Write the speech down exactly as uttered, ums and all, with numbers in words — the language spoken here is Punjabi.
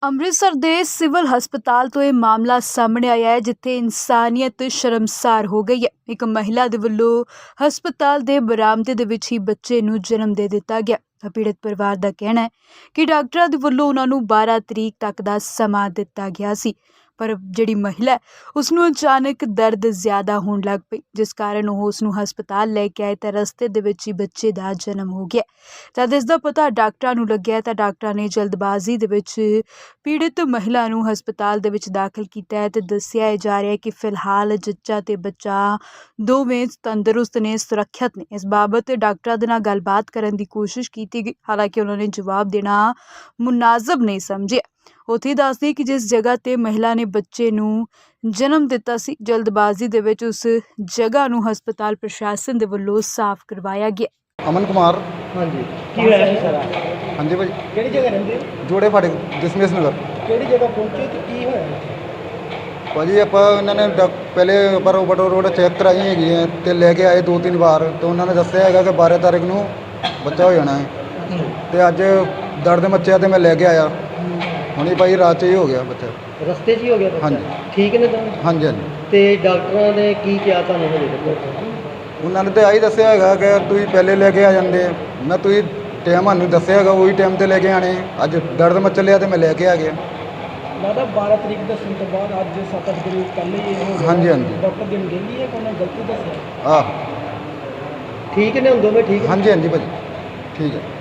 ਅੰਮ੍ਰਿਤਸਰ ਦੇ ਸਿਵਲ ਹਸਪਤਾਲ ਤੋਂ ਇਹ ਮਾਮਲਾ ਸਾਹਮਣੇ ਆਇਆ ਹੈ, ਜਿੱਥੇ ਇਨਸਾਨੀਅਤ ਸ਼ਰਮਸਾਰ ਹੋ ਗਈ ਹੈ। ਇੱਕ ਮਹਿਲਾ ਦੇ ਵੱਲੋਂ ਹਸਪਤਾਲ ਦੇ ਬਰਾਮਦੇ ਦੇ ਵਿੱਚ ਹੀ ਬੱਚੇ ਨੂੰ ਜਨਮ ਦੇ ਦਿੱਤਾ ਗਿਆ। ਪੀੜਤ ਪਰਿਵਾਰ ਦਾ ਕਹਿਣਾ ਹੈ ਕਿ ਡਾਕਟਰਾਂ ਦੇ ਵੱਲੋਂ ਉਹਨਾਂ ਨੂੰ ਬਾਰਾਂ ਤਰੀਕ ਤੱਕ ਦਾ ਸਮਾਂ ਦਿੱਤਾ ਗਿਆ ਸੀ, ਪਰ ਜਿਹੜੀ ਮਹਿਲਾ ਉਸ ਨੂੰ ਅਚਾਨਕ ਦਰਦ ਜ਼ਿਆਦਾ ਹੋਣ ਲੱਗ ਪਈ, ਜਿਸ ਕਾਰਨ ਉਹ ਉਸ ਨੂੰ ਹਸਪਤਾਲ ਲੈ ਕੇ ਆਏ ਤਾਂ ਰਸਤੇ ਦੇ ਵਿੱਚ ਹੀ ਬੱਚੇ ਦਾ ਜਨਮ ਹੋ ਗਿਆ। ਜਦ ਇਸ ਦਾ ਪਤਾ ਡਾਕਟਰਾਂ ਨੂੰ ਲੱਗਿਆ ਤਾਂ ਡਾਕਟਰਾਂ ਨੇ ਜਲਦਬਾਜ਼ੀ ਦੇ ਵਿੱਚ ਪੀੜਤ ਮਹਿਲਾ ਨੂੰ ਹਸਪਤਾਲ ਦੇ ਵਿੱਚ ਦਾਖਲ ਕੀਤਾ ਹੈ ਤੇ ਦੱਸਿਆ ਜਾ ਰਿਹਾ ਹੈ ਕਿ ਫਿਲਹਾਲ ਜੱਚਾ ਤੇ ਬੱਚਾ ਦੋਵੇਂ ਤੰਦਰੁਸਤ ਨੇ, ਸੁਰੱਖਿਅਤ ਨੇ। ਇਸ ਬਾਬਤ ਡਾਕਟਰਾਂ ਦੇ ਨਾਲ ਗੱਲਬਾਤ ਕਰਨ ਦੀ ਕੋਸ਼ਿਸ਼ ਕੀਤੀ ਗਈ, ਹਾਲਾਂਕਿ ਉਹਨਾਂ ਨੇ ਜਵਾਬ ਦੇਣਾ ਮੁਨਾਸਬ ਨਹੀਂ ਸਮਝਿਆ। ਉੱਥੇ ਦੱਸਦੇ ਕਿ ਜਿਸ ਜਗ੍ਹਾ ਤੇ ਮਹਿਲਾ ਨੇ ਬੱਚੇ ਨੂੰ ਜਨਮ ਦਿੱਤਾ ਸੀ, ਜਲਦਬਾਜ਼ੀ ਦੇ ਵਿੱਚ ਉਸ ਜਗ੍ਹਾ ਨੂੰ ਹਸਪਤਾਲ ਪ੍ਰਸ਼ਾਸਨ ਦੇ ਵੱਲੋਂ ਸਾਫ਼ ਕਰਵਾਇਆ ਗਿਆ। ਅਮਨ ਕੁਮਾਰ। ਹਾਂਜੀ, ਕੀ ਹੋਇਆ ਸੀ ਸਾਰਾ? ਹਾਂਜੀ ਭਾਈ, ਕਿਹੜੀ ਜਗ੍ਹਾ ਰਹਿੰਦੇ ਹੋ? ਜੋੜੇ ਫਾਟਕ ਦਸਮੇਸ਼ ਨਗਰ। ਕਿਹੜੀ ਜਗ੍ਹਾ ਪਹੁੰਚੇ ਤੇ ਕੀ ਹੋਇਆ? ਭਾਜੀ ਆਪਾਂ ਇਹਨਾਂ ਨੇ ਡਾ- ਪਹਿਲੇ ਬਰੋ ਬਟੋ ਰੋਡ ਚੈੱਕ ਕਰਾਈ ਹੈਗੀ ਹੈ ਤੇ ਲੈ ਕੇ ਆਏ ਦੋ ਤਿੰਨ ਵਾਰ, ਤੇ ਉਹਨਾਂ ਨੇ ਦੱਸਿਆ ਹੈਗਾ ਕਿ ਬਾਰਾਂ ਤਾਰੀਖ ਨੂੰ ਬੱਚਾ ਹੋ ਜਾਣਾ ਹੈ, ਤੇ ਅੱਜ ਦਰਦ ਮੱਚਿਆ ਤੇ ਮੈਂ ਲੈ ਕੇ ਆਇਆ। ਹੁਣੀ ਭਾਈ ਰਾਤ 'ਚ ਹੀ ਹੋ ਗਿਆ ਬੱਚਾ। ਰਸਤੇ 'ਚ ਹੀ ਹੋ ਗਿਆ ਬੱਚਾ? ਹਾਂਜੀ। ਠੀਕ ਨੇ ਤੁਹਾਨੂੰ? ਹਾਂਜੀ ਹਾਂਜੀ। ਤੇ ਡਾਕਟਰਾਂ ਨੇ ਕੀ ਕਿਹਾ ਤੁਹਾਨੂੰ ਹਜੇ ਤੱਕ? ਉਹਨਾਂ ਨੇ ਤਾਂ ਆਹੀ ਦੱਸਿਆ ਹੈਗਾ ਕਿ ਤੁਸੀਂ ਪਹਿਲੇ ਲੈ ਕੇ ਆ ਜਾਂਦੇ। ਮੈਂ ਤੁਸੀਂ ਟਾਈਮ ਸਾਨੂੰ ਦੱਸਿਆ ਹੈਗਾ, ਉਹੀ ਟਾਈਮ 'ਤੇ ਲੈ ਕੇ ਆਣੇ। ਅੱਜ ਦਰਦ ਮੱਚ ਲਿਆ ਤੇ ਮੈਂ ਲੈ ਕੇ ਆ ਗਿਆ। ਲੱਗਦਾ ਬਾਰਾਂ ਤਰੀਕ ਦੱਸਣ ਤੋਂ ਬਾਅਦ ਅੱਜ ਸੱਤ ਅੱਠ ਦਿਨ ਪਹਿਲੇ ਹੀ ਇਹ ਹੋ ਗਿਆ। ਹਾਂਜੀ ਹਾਂਜੀ। ਡਾਕਟਰ ਦਿਨ ਕਹਿੰਦੀ ਹੈ ਕਿ ਉਹਨੇ ਗਲਤੀ ਦੱਸਿਆ? ਆਹ ਠੀਕ ਨੇ ਹੁਣ ਦੋਵੇਂ? ਠੀਕ ਹਾਂਜੀ ਹਾਂਜੀ ਭਾਜੀ, ਠੀਕ ਹੈ।